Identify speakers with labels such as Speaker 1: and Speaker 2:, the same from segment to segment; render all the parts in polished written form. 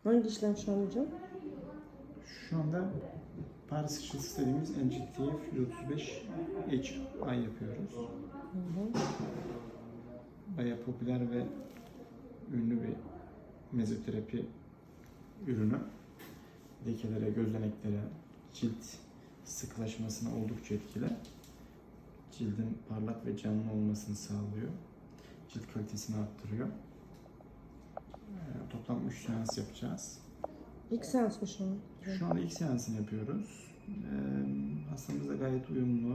Speaker 1: Hangi işlem şu an hocam?
Speaker 2: Şu anda Paris ışıltısı dediğimiz NGTF 135 HI yapıyoruz. Bayağı popüler ve ünlü bir mezoterapi ürünü. Lekelere, gözeneklere, cilt sıkılaşmasına oldukça etkili. Cildin parlak ve canlı olmasını sağlıyor. Cilt kalitesini arttırıyor. Toplam 3 seans yapacağız.
Speaker 1: İlk seans mı şu an?
Speaker 2: Şu anda ilk seansını yapıyoruz. Hastamız da gayet uyumlu.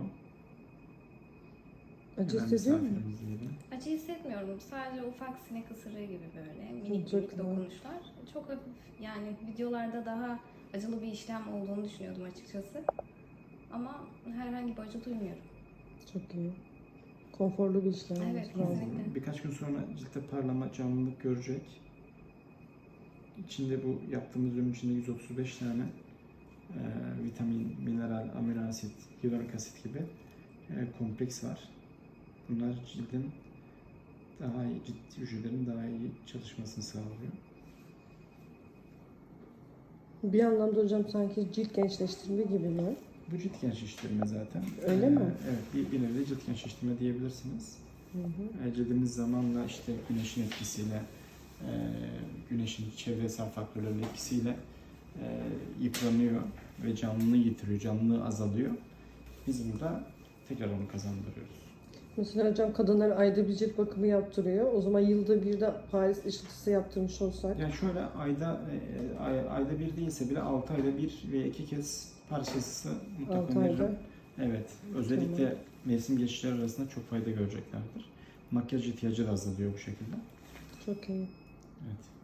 Speaker 1: Acı
Speaker 2: Hemen
Speaker 1: hissediyor mu?
Speaker 2: misafirimiz diyelim.
Speaker 3: Acı hissetmiyorum. Sadece ufak sinek ısırığı gibi böyle minik
Speaker 1: Çok
Speaker 3: minik
Speaker 1: güzel.
Speaker 3: dokunuşlar. Çok hafif, yani videolarda daha acılı bir işlem olduğunu düşünüyordum açıkçası. Ama herhangi bir acı duymuyorum.
Speaker 1: Çok iyi. Konforlu bir işlem.
Speaker 3: Evet,
Speaker 1: Bravo.
Speaker 3: kesinlikle.
Speaker 2: Birkaç gün sonra ciltte parlama, canlılık görecek. İçinde bu yaptığımız ürün içinde 135 tane vitamin, mineral, amino asit, hyaluronik asit gibi kompleks var. Bunlar cildin daha iyi, cilt hücrelerin daha iyi çalışmasını sağlıyor.
Speaker 1: Bir anlamda hocam sanki cilt gençleştirme gibi mi?
Speaker 2: Bu cilt gençleştirme zaten.
Speaker 1: Öyle mi?
Speaker 2: Evet, bir nevi cilt gençleştirme diyebilirsiniz. Cildimiz zamanla işte güneşin etkisiyle, güneşin çevresel faktörlerin etkisiyle yıpranıyor ve canlılığı yitiriyor, canlılığı azalıyor. Biz burada tekrar onu kazandırıyoruz.
Speaker 1: Mesela hocam kadınlar ayda bir cilt bakımı yaptırıyor. O zaman yılda bir de Paris ışıltısı yaptırmış olsak.
Speaker 2: Yani şöyle ayda bir değilse bile 6 ayda bir ve 2 kez parçası
Speaker 1: 6
Speaker 2: mutlaka
Speaker 1: ayda.
Speaker 2: veririm. Evet, özellikle mevsim geçişleri arasında çok fayda göreceklerdir. Makyaj ihtiyacı da azalıyor bu şekilde.
Speaker 1: Çok iyi.
Speaker 2: Evet.